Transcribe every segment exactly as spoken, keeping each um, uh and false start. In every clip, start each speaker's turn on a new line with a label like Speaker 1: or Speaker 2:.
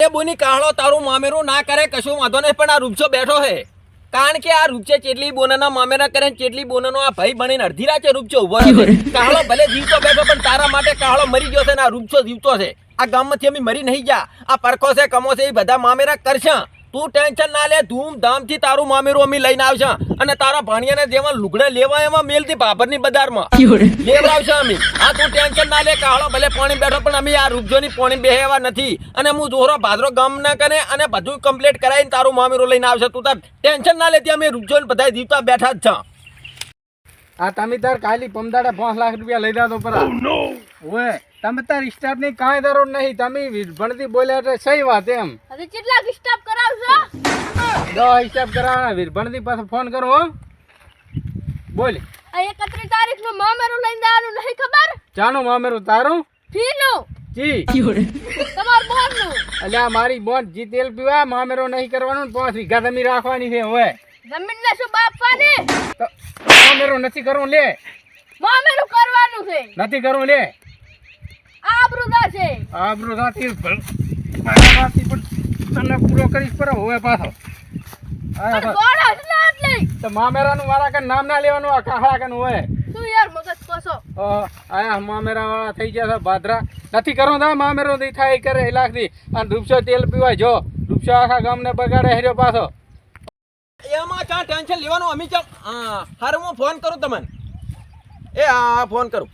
Speaker 1: એ બોની કાહળો તારું મામેરું ના કરે કશું વાંધો નહીં, પણ આ રૂપસો બેઠો છે. કારણ કે આ રૂપસે ચેટલી બોનાના મામેરા કરે ને ચેટલી બોનાનો આ ભાઈ બનીને અડધી રાતે રૂપસો ઉભો છે. કાહળો ભલે જીવતો બેઠો પણ તારા માટે કાહળો મરી ગયો છે ને આ રૂપસો જીવતો છે. આ ગામમાંથી અમે મરી નહીં જા. આ પરખો છે કમો છે એ બધા મામેરા કરશે. તું ટેન્શન ના લે, ધૂમધામથી તારું મામેરું અમે લઈને આવશે અને તારા ભાણિયાને જેવા લુગડા લેવા એમાં મેલથી બાબરની બજારમાં લેવડાવશે અમે. હા તું ટેન્શન ના લે. કાહળો ભલે પાણી બેઠો પણ અમે આ રૂપજોની પાણી બેહેવા નથી. અને હું જોરો ભાદરો ગામ ના કરે અને બધું કમ્પ્લીટ કરાવીને તારું મામેરું લઈને આવશે. તું તાર ટેન્શન ના લેતી, અમે રૂપજોને બધા જીવતા બેઠા જ છે.
Speaker 2: આ તમે તાર કાલી પમદાડા પાંચ લાખ રૂપિયા લઈ દાદો પર ઓએ તમે તાર સ્ટાફ ની કાંઈ જરૂર નહીં. તમે ભણતી બોલ્યા એટલે સહી વાત એમ.
Speaker 3: હવે કેટલા સ્ટાફ કરાવશો?
Speaker 2: દસ હિસાબ કરાવવાના વીર ભણતી પાસે ફોન કરો હો. બોલ
Speaker 3: આ એકત્રીસ તારીખ નું મામેરું લઈને આવવાનું નહીં ખબર?
Speaker 2: ચાનું મામેરું તારું
Speaker 3: ફીનું
Speaker 2: જી
Speaker 3: તમાર બોનનું.
Speaker 2: અલ્યા મારી બોન જી તેલ પીવા મામેરો નહીં કરવાનું. પાંચ વીઘા જમીન રાખવાની છે હવે.
Speaker 3: જમીન ને શું બાપવાની?
Speaker 2: તો મામેરો નથી કરવું લે.
Speaker 3: મામેરું કરવાનું છે.
Speaker 2: નથી કરવું લે.
Speaker 3: આબરૂદા છે.
Speaker 2: આબરૂ રાતી રાતી પણ તને પૂરો કરીશ પર હવે પાછો
Speaker 3: પણ ગોળો જ ના એટલે.
Speaker 2: તો મામેરાનું મારા કન નામ ના લેવાનું. આ કાહળા કન હોય
Speaker 3: તું યાર મગજ કોસો.
Speaker 2: આયા મામેરા વાળા થઈ ગયા છે ભાદરા. નથી કરવું તા મામેરો દી થાય કરે લાખથી. અને રૂપસો તેલ પીવાય જો રૂપસો આખા ગામને બગાડે હેર્યો પાછો.
Speaker 1: એમાં ક્યાં ટેન્શન લેવાનું? અમે ચમ હા હારું હું ફોન કરું તમને. એ હા ફોન કરું.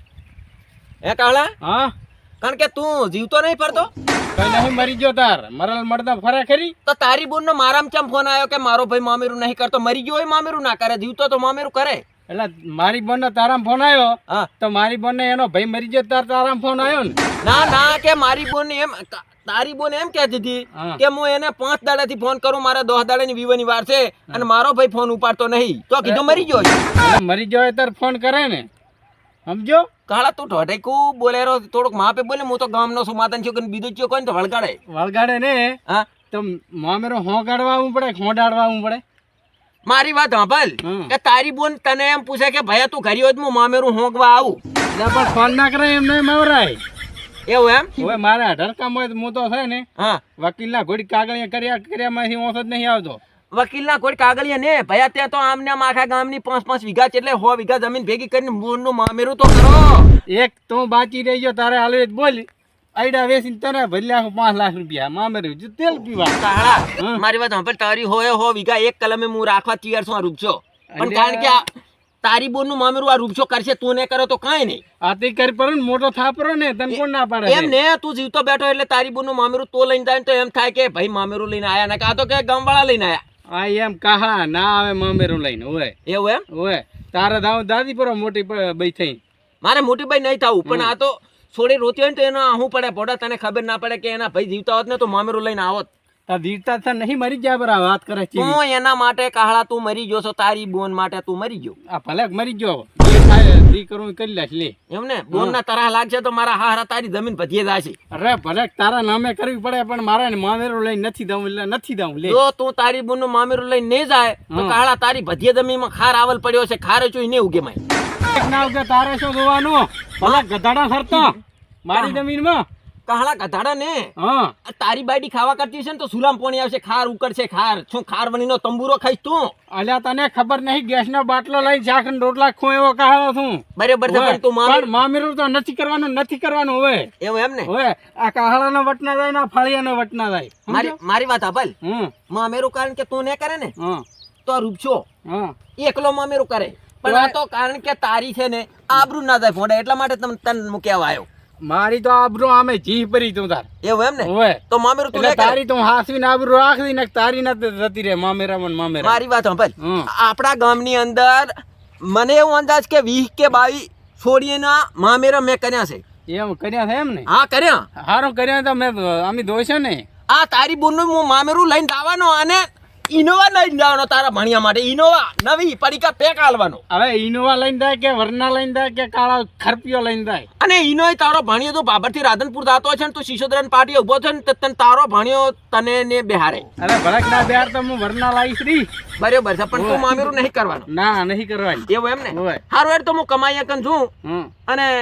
Speaker 1: હે કાહળા,
Speaker 2: હા
Speaker 1: કારણ કે તું જીવતો નહીં ફરતો
Speaker 2: કઈ નહીં મરી ગયો તાર મરલ મળતા ફરે ખરી.
Speaker 1: તો તારી બોનનો મારામ ચમ ફોન આવ્યો કે મારો ભાઈ મામેરું નહીં કરતો? મરી ગયો હોય મામેરું ના કરે, જીવતો તો મામેરું કરે.
Speaker 2: એટલે મારી બોન નો તારામ ફોન આવ્યો
Speaker 1: હા
Speaker 2: તો મારી બોન ને એનો ભાઈ મરી ગયો તાર તારામ ફોન આવ્યો ને.
Speaker 1: ના ના કે મારી બોન એમ તારી બોન એમ કહેતી હતી
Speaker 2: હા.
Speaker 1: કે હું એને પાંચ દાડાથી ફોન કરું, મારે દસ દાડાની વિવાની વાર છે અને મારો ભાઈ ફોન ઉપાડતો નહીં. તો કીધું મરી ગયો છે.
Speaker 2: એટલે મરી ગયો હોય તાર ફોન કરે ને સમજો.
Speaker 1: કાળા તું ઢોઢેકું બોલેરો થોડુંક માપે બોલે. હું તો ગામનો છું, માતાને છોકરીને બીજું ચો કોઈ તો વળગાડે.
Speaker 2: વળગાડે ને
Speaker 1: હા
Speaker 2: તો મામેરો હોગાડવા આવવું પડે હોડાડવા આવવું પડે.
Speaker 1: મારી વાત સાંભળ
Speaker 2: હમ.
Speaker 1: કે તારી બોન તને એમ પૂછે કે ભૈયા તું ઘરે હોય તો હું મામેરું હોંકવા આવું.
Speaker 2: એટલે પણ ફોન ના કરે એમ નહીં મવરાય.
Speaker 1: એવું એમ?
Speaker 2: હવે મારે અઢાર કામ હોય તો હું તો છે ને
Speaker 1: હા
Speaker 2: વકીલના ઘોડી કાગળિયા કર્યા કર્યામાંથી ઓછો જ નહીં આવતો.
Speaker 1: વકીલના કોઈ કાગળિયા ને ભૈયા ત્યાં તો આમને આમ આખા ગામની પાંચ પાંચ વીઘા છે એટલે સો વીઘા જમીન ભેગી કરીને બોનનું મામેરું તો કરો.
Speaker 2: એક તો બાકી રહી ગયો તારે હાલ બોલ આઈડા વેચીને તને ભરી આખું પાંચ લાખ રૂપિયા મામેરું જો તેલ પીવા.
Speaker 1: કાળા
Speaker 2: હમ.
Speaker 1: મારી વાત સાંભળ, તારી હોય હો વીઘા એક કલમે હું રાખવા તૈયાર છું આ રૂપસો. પણ
Speaker 2: અરે.
Speaker 1: કારણ કે આ તારી બોનનું મામેરું આ રૂપસો કરશે, તું ને કરો તો કાંઈ નહીં.
Speaker 2: આ તે કરી પડે ને મોટો થાપરો ને તને કોણ ના પાડે
Speaker 1: એમ ને તું જીવતો બેઠો એટલે તારી બોનનું મામેરું તો લઈને જાય ને તો એમ થાય કે ભાઈ મામેરું લઈને આયા ને કાં તો કે ગામવાળા લઈને આયા.
Speaker 2: આ એમ કાહા ના આવે મામેરું લઈને હોય
Speaker 1: એવું એમ?
Speaker 2: હોય તારે દાવ દાદી પર મોટી બઈ થઈ.
Speaker 1: મારે મોટી ભાઈ નહીં થવું, પણ આ તો છોડી રોતી હોય ને તો એનો આહું પડે પોડા. તને ખબર ના પડે કે એના ભાઈ જીવતા હોત ને તો મામેરું લઈને આવત.
Speaker 2: તાર દીરતા છે નહીં મરી જાય બરા વાત કરે છે.
Speaker 1: તું એના માટે કાહળા તું મરી ગયો છો, તારી બોન માટે તું મરી ગયો.
Speaker 2: આ ભલે મરી ગયો જે થાય દી કરું કરી લેશ લે.
Speaker 1: એમ ને બોન ના તરાહ લાગશે તો મારા હારા તારી જમીન ભજીએ જશે.
Speaker 2: અરે ભલે તારા નામે કરવી પડે પણ મારે ને મામેરું લઈને નથી દઉં એટલે નથી દઉં લે.
Speaker 1: જો તું તારી બોન નું મામેરું લઈને નહીં જાય તો કાહળા તારી ભજીએ જમીનમાં ખાર આવલ પડ્યો છે, ખાર ચોઈ ને ઉગે માય.
Speaker 2: એક ના ઉગે તારે શું જોવાનું ભલે ગધાડા ફરતો મારી જમીનમાં.
Speaker 1: કાહળા ગધાડા ને
Speaker 2: હા
Speaker 1: આ તારી બાયડી ખાવા કરતી છે ને તો સુલામ પોણી આવશે, ખાર ઉકળશે. ખાર શું ખાર વણીનો તંબુરો ખાઈશ તું?
Speaker 2: અલ્યા તને ખબર નહીં ગેસ નો બાટલો લઈ શાક ને રોટલા ખો એવો કહાડો છું.
Speaker 1: બરાબર છે પણ તું મામેરું
Speaker 2: મામેરું તો નથી કરવાનું નથી કરવાનું હવે
Speaker 1: એવું એમ ને?
Speaker 2: હવે આ કાહળા નો વટના જાય ને ફળિયા નો વટના જાય.
Speaker 1: મારી મારી વાત સાંભળ,
Speaker 2: હમ
Speaker 1: મામેરું કારણ કે તું ને કરે ને
Speaker 2: હા
Speaker 1: તો રૂપસો
Speaker 2: હા
Speaker 1: એકલો મામેરું કરે. પણ આ તો કારણ કે તારી છે ને આબરૂ ના જાય ફોડે એટલા માટે તને તને મૂક્યા આવ્યો.
Speaker 2: મારી તો આબરૂ આમે જીહ પરી તું તાર.
Speaker 1: એવું એમ ને?
Speaker 2: હોય
Speaker 1: તો મામેરું તું
Speaker 2: એટલે
Speaker 1: લે કરે.
Speaker 2: તારી તો હાસવીને આબરૂ રાખવી ને તારી ના જતી રહે મામેરા મન મામેરા.
Speaker 1: મારી વાત સાંભળ,
Speaker 2: હમ.
Speaker 1: આપણા ગામની અંદર મને એવું અંદાજ કે વીસ કે બાવીસ છોડીના મામેરા મેં કર્યા છે.
Speaker 2: એમ કર્યા છે એમ ને?
Speaker 1: હા કર્યા.
Speaker 2: હારું કર્યા તો મેં અમે દોષો ને.
Speaker 1: આ તારી બોનનું હું મામેરું લઈને દાવાનો અને ઇનોવા લઈને જવાનો તારા ભણિયા માટે. ઇનોવા નવી પડીકા પેક આલવાનો.
Speaker 2: હવે ઇનોવા લઈને જાય કે વરના લઈને જાય કે કાળા ખરપીઓ લઈને જાય.
Speaker 1: અને ઇનોય તારો ભણિયો તો બાબરથી રાધનપુર જાતો છે ને તું શિશોદરાની પાર્ટી ઉભો છે ને તો તને તારો ભણિયો તને ને બેહારે.
Speaker 2: અરે ભડક ના બેહાર તો હું વરના લાવીશ રી.
Speaker 1: બરાબર છે પણ તું મામેરું નહીં કરવાનું.
Speaker 2: ના નહીં કરવાની.
Speaker 1: એવું એમ ને?
Speaker 2: હોય.
Speaker 1: હારું યાર તો હું કમાઈ કન છું
Speaker 2: હમ
Speaker 1: અને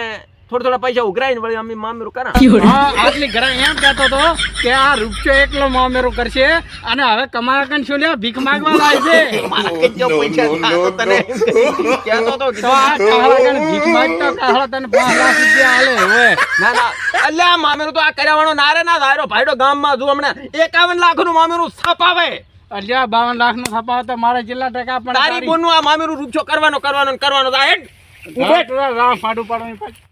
Speaker 1: થોડા થોડા પૈસા ઉઘરાઈને વળી અમે મામેરું કરા
Speaker 2: હા આટલી ઘરે એમ કહેતો હતો કે આ રૂપચો એકલો મામેરું કરશે અને હવે કમાવા કન શું લે ભીખ માંગવા લાય છે
Speaker 1: મારા કેટલો પૈસા થા તો તને કહેતો તો
Speaker 2: તો આ કાહળા કન ભીખ માંગતો કાહળા તને પાંચ લાખ રૂપિયા આલે હવે
Speaker 1: ના ના અલ્યા મામેરું તો આ કર્યાવાનો નારે ના ધારો ભાઈડો ગામમાં જો હમણાં એકાવન લાખ નું મામેરું છપાવે
Speaker 2: અલ્યા બાવન લાખ નો છપાવ તો મારે જેટલા ટકા પણ
Speaker 1: તારી બોનનું આ મામેરું રૂપછો કરવાનો કરવાનો ને કરવાનો તો આ હેડ
Speaker 2: ઉભે રામ ફાડું પાડવાની પાછી